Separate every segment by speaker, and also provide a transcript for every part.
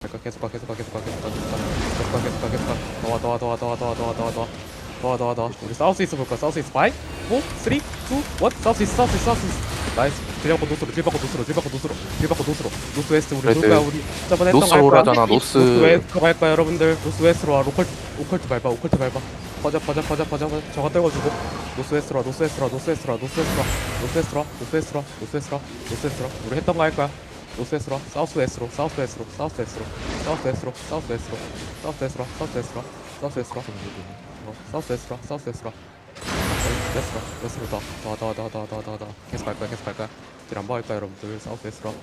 Speaker 1: 계속 가. 더 와. 우리 사우스 이스트 볼까? 사우스 이스트 5, 4, 3, 2, 1. 사우스 이스트. 나이스. 딜 받고 노스로. 노스 웨스트 우리
Speaker 2: 그래도
Speaker 1: 놀 거야. 우리 저번에 했던
Speaker 2: 노스
Speaker 1: 거 할 거야.
Speaker 2: 오라잖아. 노스
Speaker 1: 웨스트로 갈 거야, 여러분들. 노스 웨스트로 와. 오컬트 밟아. 퍼져. 저거 떨궈주고. 노스 웨스트로. 우리 했던 거 할 거야. 노스 웨스트로. 사우스 웨스트로. 웨스트로 더. 계속 갈 거야. 딜 안 박을 거야, 여러분들. 사우스 웨스트로.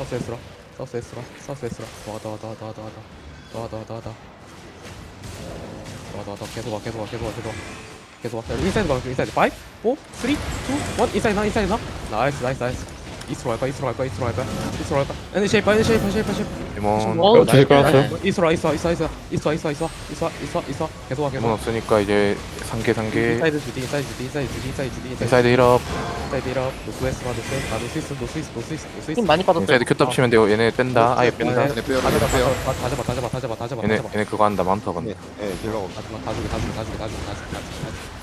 Speaker 1: 더. 계속 와. 인사이드 가. 5, 4, 3, 2, 1. 인사이드 나. 나이스. 이스트로 갈 거야. 애니 쉐이퍼.
Speaker 2: 데몬
Speaker 3: 제일 깔았어요.
Speaker 1: 이스트로 와. 있어. 계속 와.
Speaker 2: 데몬 없으니까 이제 상계
Speaker 1: 인사이드 주디.
Speaker 2: 인사이드 힐업.
Speaker 1: 인사이드 이럽. 노스 이스트.
Speaker 3: 힘 많이 빠졌어요.
Speaker 2: 인사이드 큐탑 치면 돼요. 얘네 뺀다. 아예 뺀다.
Speaker 1: 다 잡아.
Speaker 2: 얘네 그거 한다. 많다 건데.
Speaker 4: 네, 딜러가 없어.
Speaker 1: 다 주게.